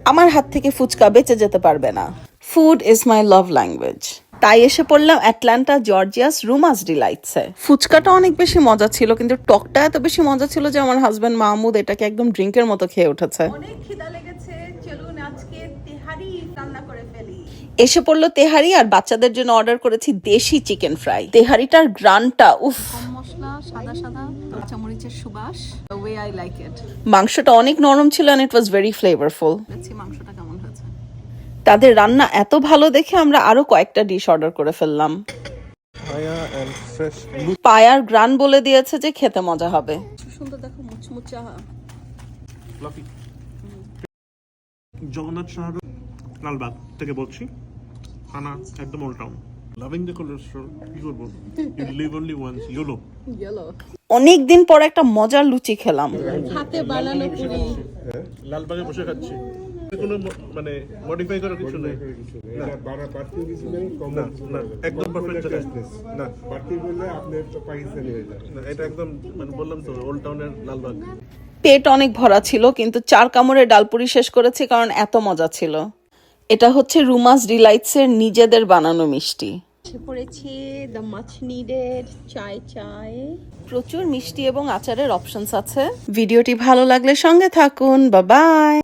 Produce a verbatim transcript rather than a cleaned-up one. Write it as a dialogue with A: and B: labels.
A: আমার হাত থেকে ফুচকা বেঁচে যেতে পারবে না। Food is my love language. তাই এসে পড়লাম অ্যাটলান্টা জর্জিয়াস রুমাস ডিলাইটসে। ফুচকাটা অনেক বেশি মজা ছিল, কিন্তু টকটা এত বেশি মজা ছিল যে আমার হাজবেন্ড মাহমুদ এটাকে একদম ড্রিঙ্কের মতো খেয়ে উঠেছে।
B: অনেক খিদা লেগেছে, চলুন আজকে তেহারি রান্না করে ফেলি।
A: এসে পড়লো তেহারি, আর বাচ্চাদের জন্য অর্ডার করেছি দেশি চিকেন ফ্রাই। তেহারিটার গ্রানটা উফ,
B: কম মশলা, সাদা সাদা, কাঁচামরিচের সুবাস, the way I like it।
A: মাংসটা অনেক নরম ছিল and it was very flavorful।
B: দেখছি মাংসটা কেমন হয়েছে।
A: তাদের রান্না এত ভালো দেখে আমরা আরো কয়েকটা ডিশ অর্ডার করে ফেললাম। পায়ার গ্রান বলে দিয়েছে যে খেতে মজা হবে।
B: সুন্দর দেখো, মুচমুচা।
C: জগন্নাথ শাহরুখ লালবাগ থেকে বলছি, থানা একদম old town. Loving the cholesterol, কি করবো, you live only once, YOLO.
B: Yellow.
A: অনেক দিন পর একটা মজার লুচি খেলাম।
B: হাতে বানানো পুরি।
C: লালবাগে বসে খাচ্ছি, কোনো মানে মডিফাই করার কিছু নেই,
D: এটা বাড়া বাড়তি কিছু নেই, কম
C: না না একদম পারফেক্ট জায়গা না,
D: বাড়তি বললে আপনি তো পাকিস্তানি হয়ে যান।
C: না এটা একদম মানে বললাম তো ওল্ড টাউনের লালবাগ।
A: পেট অনেক ভরা ছিল, কিন্তু চার কামড়ে ডালপুরি শেষ করেছি কারণ এত মজা ছিল। এটা হচ্ছে রুমাস ডিলাইটস এর নিজেদের বানানো মিষ্টি।
B: পড়েছি দ্য মাচ নিডেড চাই চাই।
A: প্রচুর মিষ্টি এবং আচারের অপশনস আছে। ভিডিওটি ভালো লাগলে সঙ্গে থাকুন। Bye by.